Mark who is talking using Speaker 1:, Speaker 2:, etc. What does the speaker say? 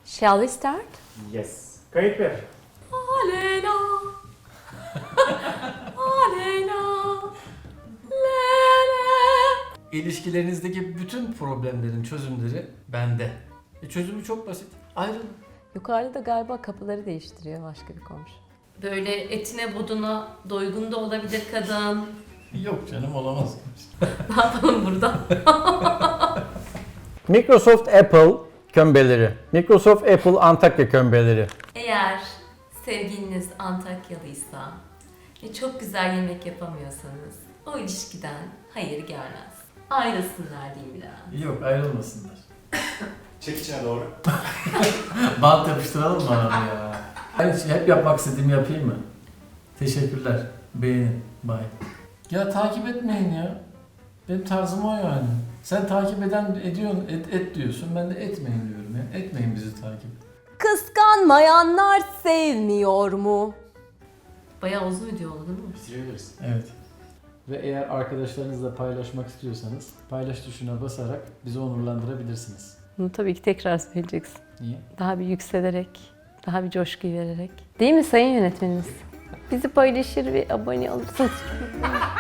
Speaker 1: Shall we start?
Speaker 2: Yes. Kayıt ver.
Speaker 1: Aleyna. Aleyna. Lele.
Speaker 3: İlişkilerinizdeki bütün problemlerin çözümleri bende. Çözümü çok basit. Ayrılın.
Speaker 1: Yukarıda galiba kapıları değiştiriyor başka bir komşu.
Speaker 4: Böyle etine buduna doygun da olabilir kadın.
Speaker 3: Yok canım, olamaz.
Speaker 4: Ne yapalım burada?
Speaker 5: Microsoft Apple kömbeleri. Microsoft Apple Antakya kömbeleri.
Speaker 4: Eğer sevgiliniz Antakyalıysa ve çok güzel yemek yapamıyorsanız o ilişkiden hayır gelmez. Ayrılsınlar diyeyim biraz.
Speaker 3: Yok, ayrılmasınlar.
Speaker 2: Çek içine doğru.
Speaker 3: Bant yapıştıralım mı abi ya? Ben hep yapmak istediğimi yapayım mı? Teşekkürler. Beğenin. Bye. Ya takip etmeyin ya. Benim tarzım o yani. Sen takip ediyorsun, et diyorsun. Ben de etmeyin diyorum ya. Etmeyin bizi takip.
Speaker 1: Kıskanmayanlar sevmiyor mu?
Speaker 4: Bayağı uzun video oldu değil mi?
Speaker 2: Bitirebiliriz.
Speaker 3: Evet. Ve eğer arkadaşlarınızla paylaşmak istiyorsanız paylaş tuşuna basarak bizi onurlandırabilirsiniz.
Speaker 1: Bunu tabii ki tekrar söyleyeceksin.
Speaker 3: Niye?
Speaker 1: Daha bir yükselerek, daha bir coşku vererek. Değil mi sayın yönetmenimiz? Bizi paylaşır ve abone olursanız.